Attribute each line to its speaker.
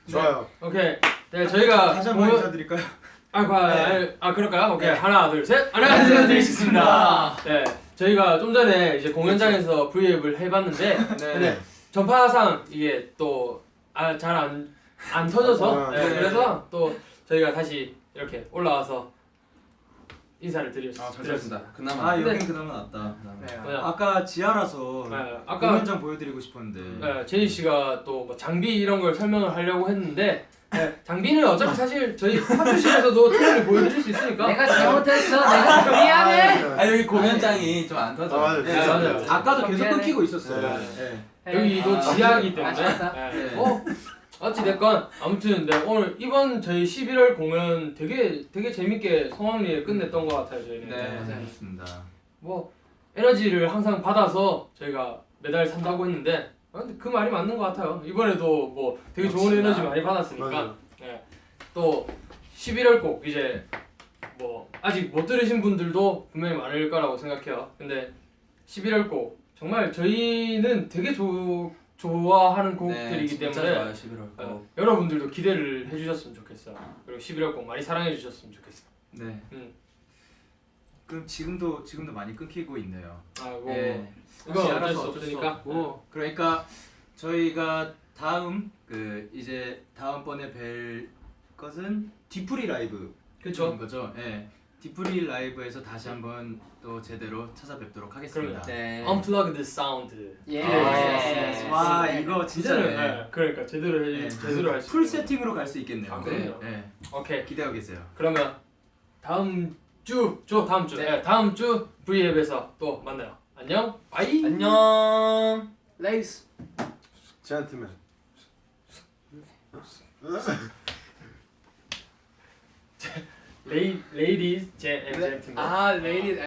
Speaker 1: 좋아요.
Speaker 2: 오케이. 네, 저희가
Speaker 3: 다시 한번 인사드릴까요?
Speaker 2: 그럴까요? 오케이. 하나, 둘, 셋. 안녕하세요, 데이식스입니다. 네, 저희가 좀 전에 이제 공연장에서 브이앱을 해봤는데, 근데 전파상 이게 또 잘 안 터져서, 그래서 또 저희가 다시 이렇게 올라와서 인사를 드렸습니다.
Speaker 4: 그나마.
Speaker 3: 여긴 그나마 낫다.
Speaker 2: 네.
Speaker 3: 아까 지하라서
Speaker 2: 아까
Speaker 3: 공연장 보여드리고 싶었는데.
Speaker 2: 제니 씨가 또 뭐 장비 이런 걸 설명을 하려고 했는데, 장비는 어차피 사실 저희 합주실에서도 트랙을 보여드릴 수 있으니까.
Speaker 5: 내가 잘못했어. 내가 미안해.
Speaker 4: 여기 공연장이 좀 안 터져.
Speaker 2: 맞아요.
Speaker 3: 아까도 계속
Speaker 5: 미안해.
Speaker 3: 끊기고 있었어요.
Speaker 2: 여기도 지하이기 때문에.
Speaker 5: 아쉽다.
Speaker 2: 어찌됐건 아무튼 오늘 이번 저희 11월 공연 되게 재밌게 성황리에 끝냈던 것 같아요. 저희는.
Speaker 3: 네, 맞습니다.
Speaker 2: 뭐 에너지를 항상 받아서 저희가 메달 산다고 했는데 근데 그 말이 맞는 것 같아요. 이번에도 뭐 되게 좋은 에너지 많이 받았으니까. 또 11월 곡 이제 뭐 아직 못 들으신 분들도 분명히 많을 거라고 생각해요. 근데 11월 곡 정말 저희는 되게 좋아하는 곡들이기 때문에
Speaker 4: 11월
Speaker 2: 여러분들도 기대를 해주셨으면 좋겠어요. 그리고 11월 곡 많이 사랑해 주셨으면 좋겠어요.
Speaker 3: 네. 그럼 지금도 많이 끊기고 있네요.
Speaker 2: 이건 어쩔 수 없으니까.
Speaker 3: 없고. 그러니까 저희가 이제 다음번에 뵐 것은 디프리 라이브.
Speaker 2: 그렇죠.
Speaker 3: 거죠. 네. 디프리 라이브에서 다시 한번 또 제대로 찾아뵙도록 하겠습니다.
Speaker 4: 네.
Speaker 2: Unplugged Sound.
Speaker 3: 와 이거 진짜
Speaker 2: 그러니까 제대로 할 수.
Speaker 3: 풀 세팅으로 갈 수 있겠네요.
Speaker 2: 그래요?
Speaker 3: 네.
Speaker 2: 오케이.
Speaker 3: 기대하고 계세요.
Speaker 2: 그러면 다음 주 V앱에서 또 만나요. 안녕. 바이.
Speaker 4: 안녕.
Speaker 5: 레이스.
Speaker 1: 젠틀맨.
Speaker 2: Ladies and gentlemen.
Speaker 5: 레이디